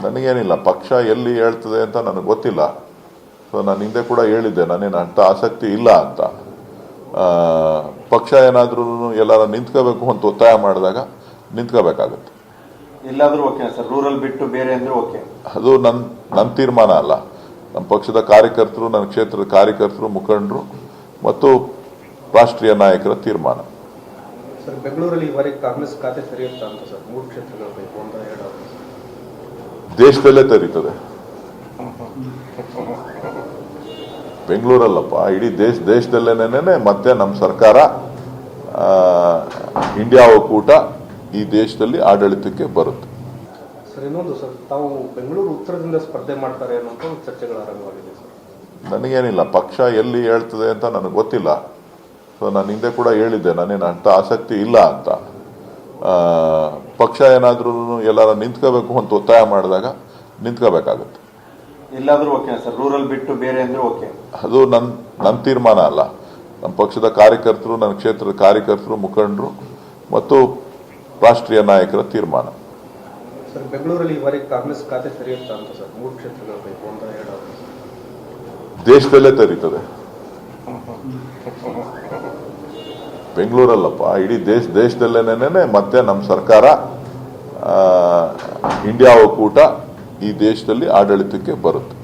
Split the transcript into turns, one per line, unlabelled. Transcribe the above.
ನನಗೇನಿಲ್ಲ, ಪಕ್ಷ ಎಲ್ಲಿ ಹೇಳ್ತದೆ ಅಂತ ನನಗೆ ಗೊತ್ತಿಲ್ಲ. ಸೊ ನಾನು ಹಿಂದೆ ಕೂಡ ಹೇಳಿದ್ದೆ, ನಾನೇನು ಅಂಥ ಆಸಕ್ತಿ ಇಲ್ಲ ಅಂತ. ಪಕ್ಷ ಏನಾದರೂ ಎಲ್ಲಾರ ನಿಂತ್ಕೋಬೇಕು ಅಂತ ಒತ್ತಾಯ ಮಾಡಿದಾಗ ನಿಂತ್ಕೋಬೇಕಾಗುತ್ತೆ.
ಎಲ್ಲಾದರೂ ಓಕೆ ಸರ್, ರೂರಲ್ ಬಿಟ್ಟು ಬೇರೆ ಅಂದ್ರೆ ಓಕೆ.
ಅದು ನನ್ನ ತೀರ್ಮಾನ ಅಲ್ಲ. ನಮ್ಮ ಪಕ್ಷದ ಕಾರ್ಯಕರ್ತರು, ನನ್ನ ಕ್ಷೇತ್ರದ ಕಾರ್ಯಕರ್ತರು, ಮುಖಂಡರು ಮತ್ತು ರಾಷ್ಟ್ರೀಯ ನಾಯಕರ ತೀರ್ಮಾನ.
ಸರ್, ಬೆಂಗಳೂರಲ್ಲಿ ಈವರೆಗೆ ಕಾಂಗ್ರೆಸ್ ಖಾತೆ ತೆರೆಯುತ್ತಾ ಅಂತ ಸರ್, 3 ಕ್ಷೇತ್ರಗಳು ಬೇಕು ಅಂತ ಹೇಳೋದು
ದೇಶದಲ್ಲೇ ತೆರೀತದೆ. ಬೆಂಗಳೂರಲ್ಲಪ್ಪ, ಇಡೀ ದೇಶದಲ್ಲೇನೆ ಮತ್ತೆ ನಮ್ಮ ಸರ್ಕಾರ, ಇಂಡಿಯಾ ಒಕ್ಕೂಟ ಈ ದೇಶದಲ್ಲಿ ಆಡಳಿತಕ್ಕೆ ಬರುತ್ತೆ.
ಸರ್, ಇನ್ನೊಂದು ಸರ್, ತಾವು ಬೆಂಗಳೂರು ಉತ್ತರದಿಂದ ಸ್ಪರ್ಧೆ ಮಾಡ್ತಾರೆ ಅನ್ನೋಂಥ ಚರ್ಚೆಗಳು ಆರಂಭವಾಗಿದೆ ಸರ್.
ನನಗೇನಿಲ್ಲ, ಪಕ್ಷ ಎಲ್ಲಿ ಹೇಳ್ತದೆ ಅಂತ ನನಗೆ ಗೊತ್ತಿಲ್ಲ. ಸೊ ನಾನು ಹಿಂದೆ ಕೂಡ ಹೇಳಿದ್ದೆ, ನಾನೇನು ಅಂಥ ಆಸಕ್ತಿ ಇಲ್ಲ ಅಂತ. ಪಕ್ಷ ಏನಾದರೂ ಎಲ್ಲಾರ ನಿಂತ್ಕೋಬೇಕು ಅಂತ ಒತ್ತಾಯ ಮಾಡಿದಾಗ ನಿಂತ್ಕೋಬೇಕಾಗುತ್ತೆ.
ಎಲ್ಲಾದರೂ ಓಕೆ ಸರ್, ರೂರಲ್ ಬಿಟ್ಟು ಬೇರೆ ಅಂದ್ರೆ ಓಕೆ.
ಅದು ನನ್ನ ತೀರ್ಮಾನ ಅಲ್ಲ. ನಮ್ಮ ಪಕ್ಷದ ಕಾರ್ಯಕರ್ತರು, ನನ್ನ ಕ್ಷೇತ್ರದ ಕಾರ್ಯಕರ್ತರು, ಮುಖಂಡರು ಮತ್ತು ರಾಷ್ಟ್ರೀಯ ನಾಯಕರ ತೀರ್ಮಾನ.
ಸರ್, ಬೆಂಗಳೂರಲ್ಲಿ ಈವರೆಗೆ ಕಾಂಗ್ರೆಸ್ ಖಾತೆ ತೆರೆಯುತ್ತಾ ಅಂತ ಸರ್, 3 ಕ್ಷೇತ್ರಗಳು ಬೇಕು ಅಂತ ಹೇಳೋದು
ದೇಶದಲ್ಲೇ ತೆರೀತದೆ. ಬೆಂಗಳೂರಲ್ಲಪ್ಪ, ಇಡೀ ದೇಶದಲ್ಲೇನೆ ಮತ್ತೆ ನಮ್ಮ ಸರ್ಕಾರ, ಇಂಡಿಯಾ ಒಕ್ಕೂಟ ಈ ದೇಶದಲ್ಲಿ ಆಡಳಿತಕ್ಕೆ ಬರುತ್ತೆ.